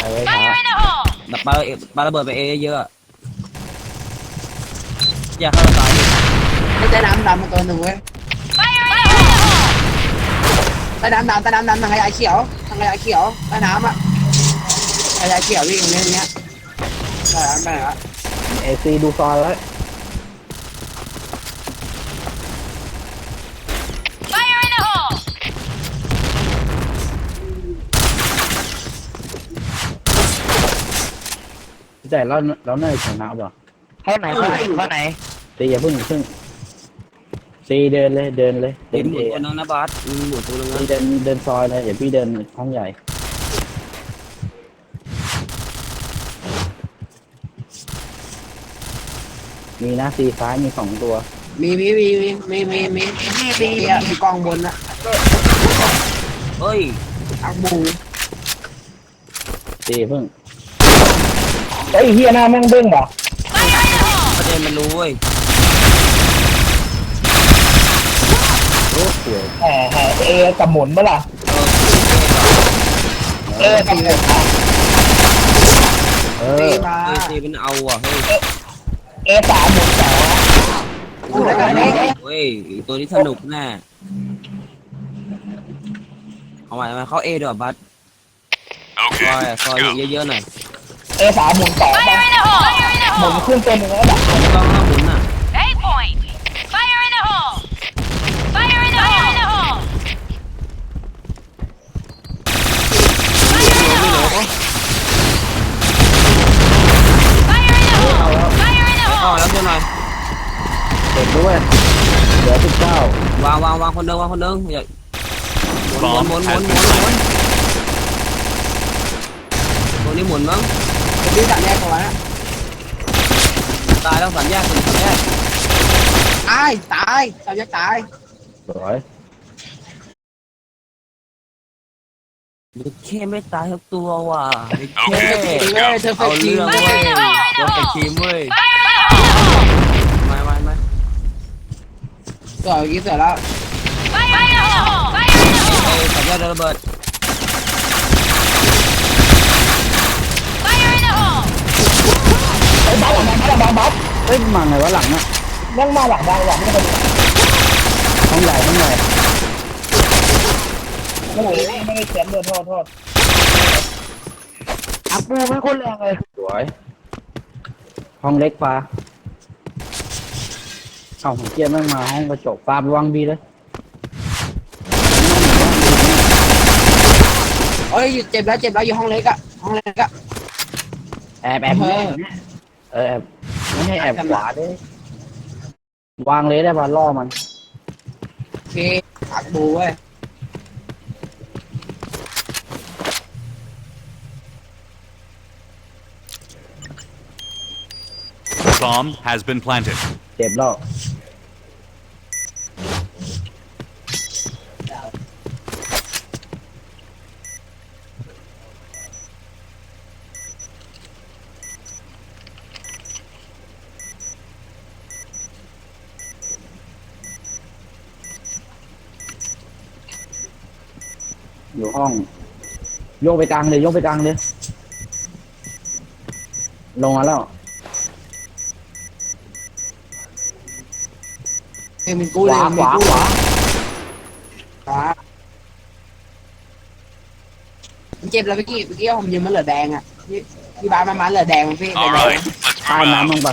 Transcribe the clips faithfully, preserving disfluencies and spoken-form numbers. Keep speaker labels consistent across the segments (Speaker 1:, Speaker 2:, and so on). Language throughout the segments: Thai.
Speaker 1: เอ้ยช้าแบบปาปาระเบิดไปเอเยอะอย่าเข้าตาย
Speaker 2: ไม่ใช่น้ำดำมาตัวหนึ่งเว้ยใต้น้ำดำใต้น้ำดำทางขยะเขียวทางขยะเขียวใต้น้ำอ่ะขยะเขียววิ่งอย่างเงี้ยอย่างเงี้ยใต้น้ำไปไหนวะ
Speaker 3: เอซีดูซอยไว้แต่เราเราเน่ยชนะป่ะ
Speaker 4: เข้าไหนเข้าไหนเข้าไหน
Speaker 3: ตีอย่าเพิ่งอย่าเพิ่งตีเดินเลยเดินเลย
Speaker 1: เดินหมุนตัวนึงนะบาสหมุนตัวนึงนะ
Speaker 3: ตีเดินเดินซอยเลยเดี๋ยวพี่เดินห้องใหญ่มีนะซีซ้ายมีสองตัว
Speaker 2: มีมีมีมีมีมีมีมีมีกองบนอะ
Speaker 1: เฮ้ย
Speaker 2: อักบู
Speaker 3: ตีเพิ่งไอ้เฮียหน้าแม่งเด้งเหรอ
Speaker 1: ประเด็นมันรู้เว้ย
Speaker 3: โอ้โห
Speaker 4: แห่แห่เอกับหมุนเมื่อไหร่เออกับหมุน
Speaker 3: เออ
Speaker 1: เฮ้ยตีมันเอาอ่ะเฮ้ย
Speaker 4: เอสามหมุนสอง
Speaker 1: เฮ้ยตัวนี้สนุกแน่เอาใหม่มาเข้าเอด้วยบัสซอยซอยเยอะๆหน่อย
Speaker 4: เอสามหมุนสองหมุนขึ้นเต็มเลยแล้วแบบ
Speaker 1: ต้องหมุนอ่ะอ๋อแล้วตัวหน่อย
Speaker 3: เด็กด้วยเหลือสิบเก้าว
Speaker 1: างวางวางคนเดิมวางคนเดิมอย่าหมุนหมุนหมุนหมุนหมุนตัวนี้หมุนมั้ง
Speaker 2: ตัวนี้สามแยกก่อนนะ
Speaker 1: ตายแล้วสามแยกสามแยก
Speaker 2: ตายตายสามแยกตาย
Speaker 3: สวย
Speaker 1: แค่ไม่ตายทั้งตัวว่ะ
Speaker 2: แค่
Speaker 1: เอาเรื่องเว้ยเราเป็นทีมเว้ยไม่ไม่ไม่
Speaker 2: สวยเมื่อกี้สวยแล้ว
Speaker 1: สัญญาณระเบิด
Speaker 4: ไอ้บ้าหลังบ้าหลังบ้า
Speaker 3: เฮ้ยมาไงวะหลังอ่ะ
Speaker 4: นั่งมาหลังบ้าหลังไม่ได้
Speaker 3: ห้องใหญ่ห้องใหญ่
Speaker 4: โอ้โหไม่ได้เขียนเลยโทษโทษอัปปูไม่คนแรงเลย
Speaker 3: สวยห้องเล็กปลาเอาของเกียร์มั่งมาห้องกระจกปลาไปวางบีเลย
Speaker 2: โอ้ยเจ็บแล้วเจ็บแล้วอยู่ห้องเล็กอะห้องเล็กอะ
Speaker 3: แอบแอบเออแอบไม่ให้แอบขวาด้วยวางเลยได้ป่ะล่อมัน
Speaker 2: โอเคอักบูเว้ย
Speaker 5: Bomb has been planted.
Speaker 3: เจ็บแล้วอยู่ห้องโยกไปกลางเลยโยกไปกลางเลยลงมาแล้ว
Speaker 2: เอ็มกูเลยขวาขวาขวาเจ็บแล้วเมื่อกี้เมื่อกี้ผมยืนมันเหลือแดงอ่ะที่ที่บ้านมันมาเหลือแดงมันพี่แดง
Speaker 3: ตายน้ำมึงปะ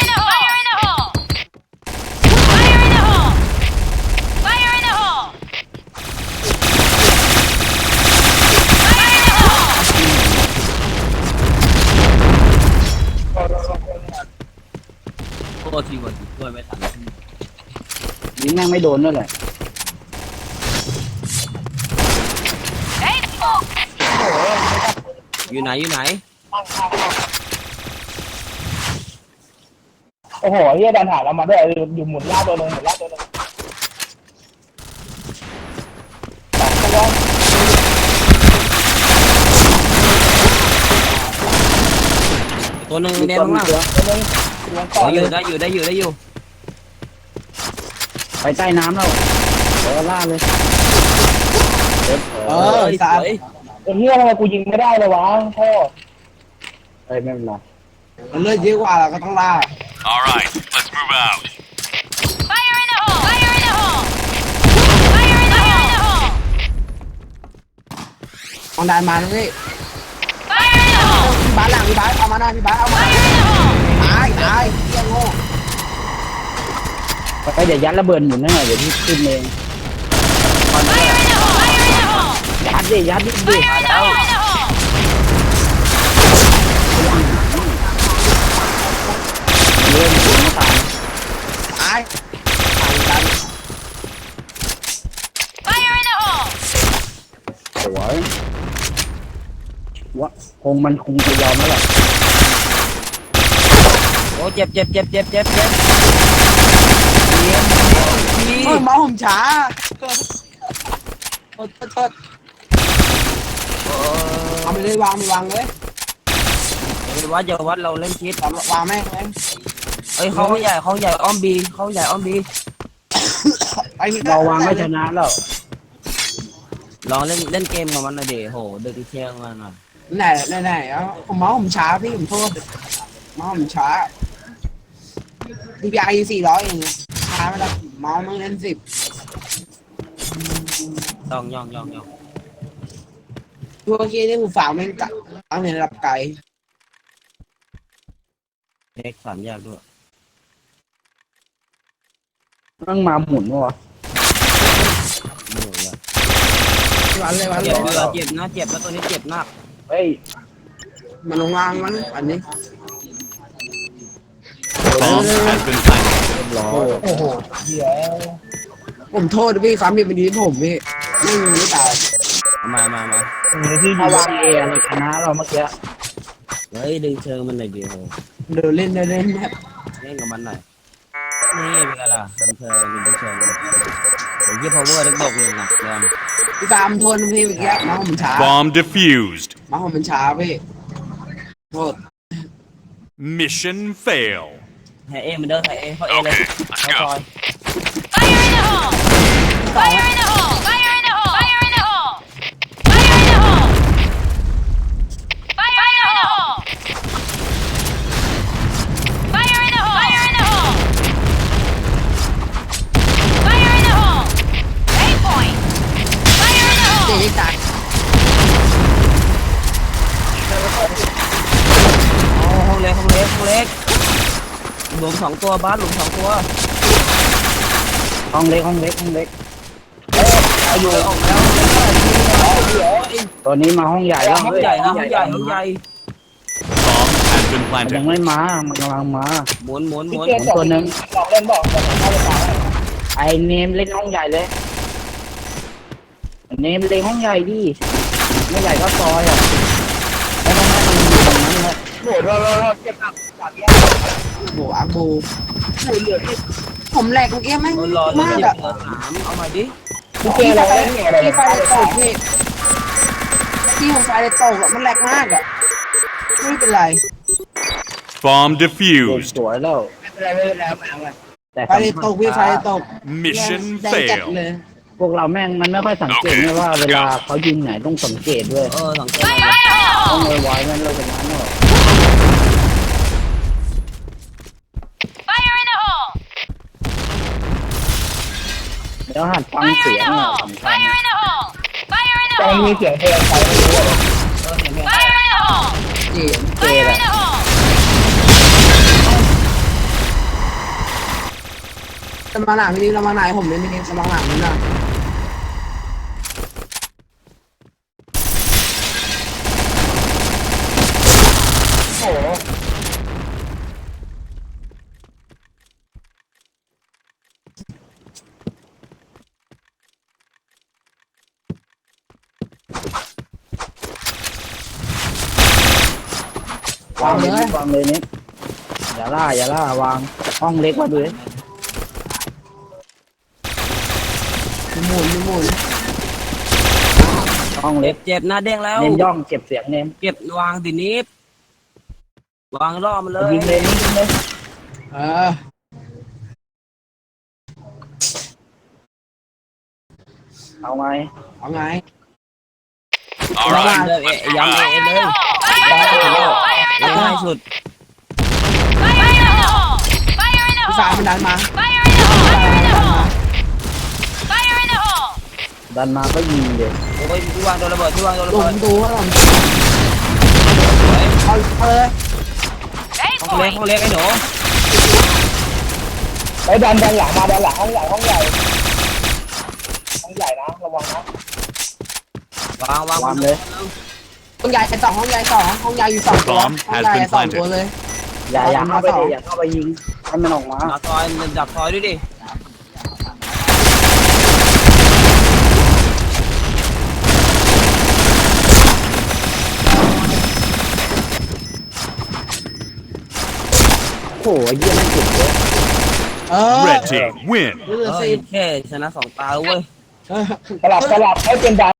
Speaker 1: โทษทีก่อนช่วยไม่ทัน
Speaker 3: ยิงแม่งไม่โดนด้วยแหละ
Speaker 1: อยู่ไหนอยู่ไหน
Speaker 4: โอ้โหเฮียดันหาเรามาด้วยอยู่หมุนล่าตัวนึงหมุนล่าตัวนึง
Speaker 1: ตัวนึงแดงมากอยู่ได้อยู่ได้อยู่ได้อยู่
Speaker 3: ไปใต้น้ำแล้วเออล่าเลย
Speaker 2: เออสาย
Speaker 4: ไอ้เฮียทำไมกูยิงไม่ได้เลยวะพ่อ
Speaker 3: เอ้ยไม่เป็นไร
Speaker 2: มันเลือดเยอะกว่าเราก็ต้องล่า
Speaker 5: All right, let's move out.
Speaker 6: Fire in the hole! Fire in the hole! Fire in the hole!
Speaker 2: มองดันมานะพี่
Speaker 6: Fire in the hole!
Speaker 2: พี่บาสหลังพี่บาสเอามาหน่อยพี่บาสเอามา
Speaker 6: Fire in the hole!
Speaker 2: ตายตายเฮียโง่
Speaker 3: ไปเดี๋ยวยัดระเบิดหมุนให้หน่อยเดี๋ยวพี่ขึ้นเอง
Speaker 6: Fire in the hole! Fire in the hole!
Speaker 3: ยัดดิยัดดิดิ
Speaker 6: Fire in the hole! Fire in the hole!
Speaker 3: เล่นหมุนไม่ตาย
Speaker 2: ตายตายกัน
Speaker 6: Fire in the hole!
Speaker 3: สวยว่าคงมันคงจะยอมแล้วแหละ
Speaker 1: โอ้เจ็บเจ็บเจ็บเจ็บเจ็บเจ็บเยี่ยมดี
Speaker 2: เออมาผมช้าโทษโทษโทษเอาไปเลยวางไปวางเลย
Speaker 1: เดี๋ยววัดเดี๋ยววัดเราเล่นคิด
Speaker 2: วางวางแม่งเลย
Speaker 1: เอ้ยเขาใหญ่เขาใหญ่อ้อมบีเขาใหญ่อ้อมบี
Speaker 2: ไปพี่
Speaker 3: เราวางไม่ชนะแล้ว
Speaker 1: ลองเล่นเล่นเกมกับมันหน่อยดิโหดึกเที่ยงมาหน่อย
Speaker 2: ไหนไหนไหนเอาผมเมาส์ผมช้าพี่ผมโทษเมาส์ผมช้าดีพีไอสี่ร้อยเองช้าไม่ได้เมาส์มันเล่นสิบ
Speaker 1: ต้องย่องย่องย่อง
Speaker 2: ตัวเคียนี่ผมฝากแม่งกะตั้งในระดับไกล
Speaker 1: เล็กสามแยกด้วย
Speaker 3: ต้องมาหมุนวะ
Speaker 1: ไม่รู้เลย
Speaker 2: วันเลยวันเล
Speaker 1: เจ็บ
Speaker 2: ย
Speaker 1: เลยเจ็บนะเจ็บแล้วตัวนี้เจ็บมาก
Speaker 3: เฮ้ย
Speaker 2: มันลงล่างมันอันนี้
Speaker 5: Bomb has been planted.
Speaker 3: เรียบร้อย
Speaker 4: โอ้โหเดี๋ยว
Speaker 2: ผมโทษพี่ความผิดเป็นดีที่ผมพี่ไม่มีไม่ตาย
Speaker 1: มามามา
Speaker 3: มีที่ยูเอเราชนะเราเมื่อกี้
Speaker 1: เฮ้ยดึงเชิงมันหน่อยดิโห
Speaker 2: เดินเล่นเดินเล่นแบบ
Speaker 1: เล่นกับมันหน่อยนี่เป็นไงล่ะดึงเชิงดึงเชิงเดี๋ยวยี่พาวเวอร์ดึงบกหนึ่งนะเริ่ม
Speaker 2: พี่ฟาร์มโทษพี่เมื่อกี้เมาส์ผมช้า
Speaker 5: Bomb defused.
Speaker 2: เมาส์ผมช้าพี่โทษ
Speaker 5: Mission fail.
Speaker 1: ไฮเอมันเดินไฮเอเขาเอเลย
Speaker 5: Okay, let's
Speaker 1: เขาซอย
Speaker 5: go.
Speaker 6: Fire in the hole! Fire in the hole! Fire in the hole! Fire in the hole! Fire in the hole! Fire in the hole! Fire in the hole! Fire in the hole! Fire in the hole! Eight point! Fire in the
Speaker 2: เจ๊
Speaker 6: hole!
Speaker 2: ตาย
Speaker 1: โอ้ห้องเล็กห้องเล็กห้องเล็กหลุมสองตัวบ้านหลุมสองตัว
Speaker 3: ห้องเล็กห้องเล็กห้องเล็ก
Speaker 1: เอาอยู่ออกแล้ว
Speaker 3: ตอนนี้มาห้องใหญ่แล้ว
Speaker 1: ห้องใหญ่นะห้องใหญ่ห้องใหญ่
Speaker 5: Bomb has been
Speaker 3: มันยัง
Speaker 5: planted.
Speaker 3: ไม่มามันกำลังมา
Speaker 1: หมุนหมุนหมุน
Speaker 4: เจ๊ตัวนึงบอกเล่นบอกบอกเข้าไปต่อ
Speaker 3: ไอเนมเล่นห้องใหญ่เลยเนมเล่นห้องใหญ่ดิไม่ใหญ่ก็ซอยอ่ะไม่ต้องให้มันอยู่ตรงนั้นเลย
Speaker 4: โหดเราเราเจ็บหนักจากแย่
Speaker 2: โบอาโบผมแหลกเมื่อกี้ไม่
Speaker 1: เออรอเลย
Speaker 2: มาก
Speaker 1: เจ็บ
Speaker 2: อะ
Speaker 1: เหลือสามเอามาดิ
Speaker 4: พี่เจ๊เราเล่นเนี่ยอะไร
Speaker 2: พี่ไฟเลยตกพี่พี่ของไฟเลยตกอะมันแหลกมากอะไม่เป็นไร
Speaker 5: Bomb
Speaker 3: เด็ก
Speaker 5: defused.
Speaker 3: สวยแล้ว
Speaker 4: ไม่เป็นไรไม่เป็นไรไม่เอาไง
Speaker 3: แต่
Speaker 2: ไฟเลยตกพี่ไฟเลยตก
Speaker 5: Mission
Speaker 2: แดงจัด
Speaker 5: fail.
Speaker 2: เลย
Speaker 3: พวกเราแม่งมันไม่ค่อยสังเกตไงว่าเวลาเขายิงไหนต้องสังเกตด้วย
Speaker 1: เออสังเกต
Speaker 6: Fire in the
Speaker 3: ต้อง
Speaker 6: hole!
Speaker 3: ไวๆนั่นเราชนะเนอะ
Speaker 6: Fire in the hole!
Speaker 3: แล้วหัดฟัง
Speaker 6: Fire
Speaker 3: เสีย
Speaker 6: in
Speaker 3: ง
Speaker 6: the
Speaker 3: เนี่ย
Speaker 6: hole!
Speaker 3: สำคัญ
Speaker 6: Fire in the hole! Fire in the
Speaker 4: ใจมี
Speaker 6: hole!
Speaker 4: เสียงเพลงไปไม่รู้
Speaker 1: เออเห็นไหม
Speaker 6: Fire in the hole!
Speaker 2: จี
Speaker 6: Fire in the hole!
Speaker 2: จะมาหนาพี่นี่เรามาไหนผมเลยพี่นี่จะมาหนาพี่นะโอ้โห
Speaker 3: วางเลยวางเลยนี่อย่าล่าอย่าล่าวางห้องเล็กมาดูดิ
Speaker 2: หมุนหมุน
Speaker 3: ห้องเล็
Speaker 1: เจ็
Speaker 3: ก
Speaker 1: บเจ็บนะเด้งแล้ว
Speaker 3: เน้นย่องเก็บเสียงเน้น
Speaker 1: เก็บวางดินิฟวางล่อมันเลย
Speaker 3: ยิงเลยยิงเลย
Speaker 2: เออ
Speaker 3: เอาไง
Speaker 2: เอาไง
Speaker 5: All
Speaker 1: วาง
Speaker 5: right,
Speaker 1: เลยเอ
Speaker 5: let's move
Speaker 1: ย้ำเอ
Speaker 5: out.
Speaker 1: เลย
Speaker 6: Fire in the hole! Fire in the
Speaker 1: แล้วก็
Speaker 6: hole!
Speaker 1: สุด
Speaker 6: Fire in the hole! Fire in the
Speaker 2: พี่ฟ้า
Speaker 6: hole!
Speaker 2: มันดันมา
Speaker 6: Fire in the hole! Fire in the hole! Fire in the hole!
Speaker 3: ดันมาก็ยิงเลย
Speaker 1: โอ้ยพี่วางโดนระเบิดพี่วางโดนระ
Speaker 2: หลุ
Speaker 1: เบิด
Speaker 2: มดูว่าผมเอาเอาเลย
Speaker 6: Eight
Speaker 1: ห้องเล็ก
Speaker 6: point!
Speaker 1: ห้องเล็กไอ้หนู
Speaker 4: ไปดันดันหลังมาดันหลังห้องใหญ่ห้องใหญ่ห้องใหญ่นะระวังนะ
Speaker 1: วางวาง
Speaker 3: วางเลย
Speaker 2: ห้องใหญ่สองห้องใหญ่สองห้องใหญ่อยู่สองตัวห้องใหญ่สองตัวเลย
Speaker 3: อย่าอย่าเข้าไปเลยอย่าเข้าไปยิงให้มันออกมา
Speaker 1: ดักซอยดักซอยด้วยดิ
Speaker 3: โอ้โหเยี่ยมไม่จุดเลย
Speaker 2: เออ
Speaker 5: Red team win.
Speaker 2: เหลื
Speaker 1: เอ
Speaker 2: อ
Speaker 1: อ
Speaker 2: สิบ
Speaker 1: แค่ชนะสองตาเว้ย
Speaker 2: เออ
Speaker 4: สลับสลับให้เป็นดัน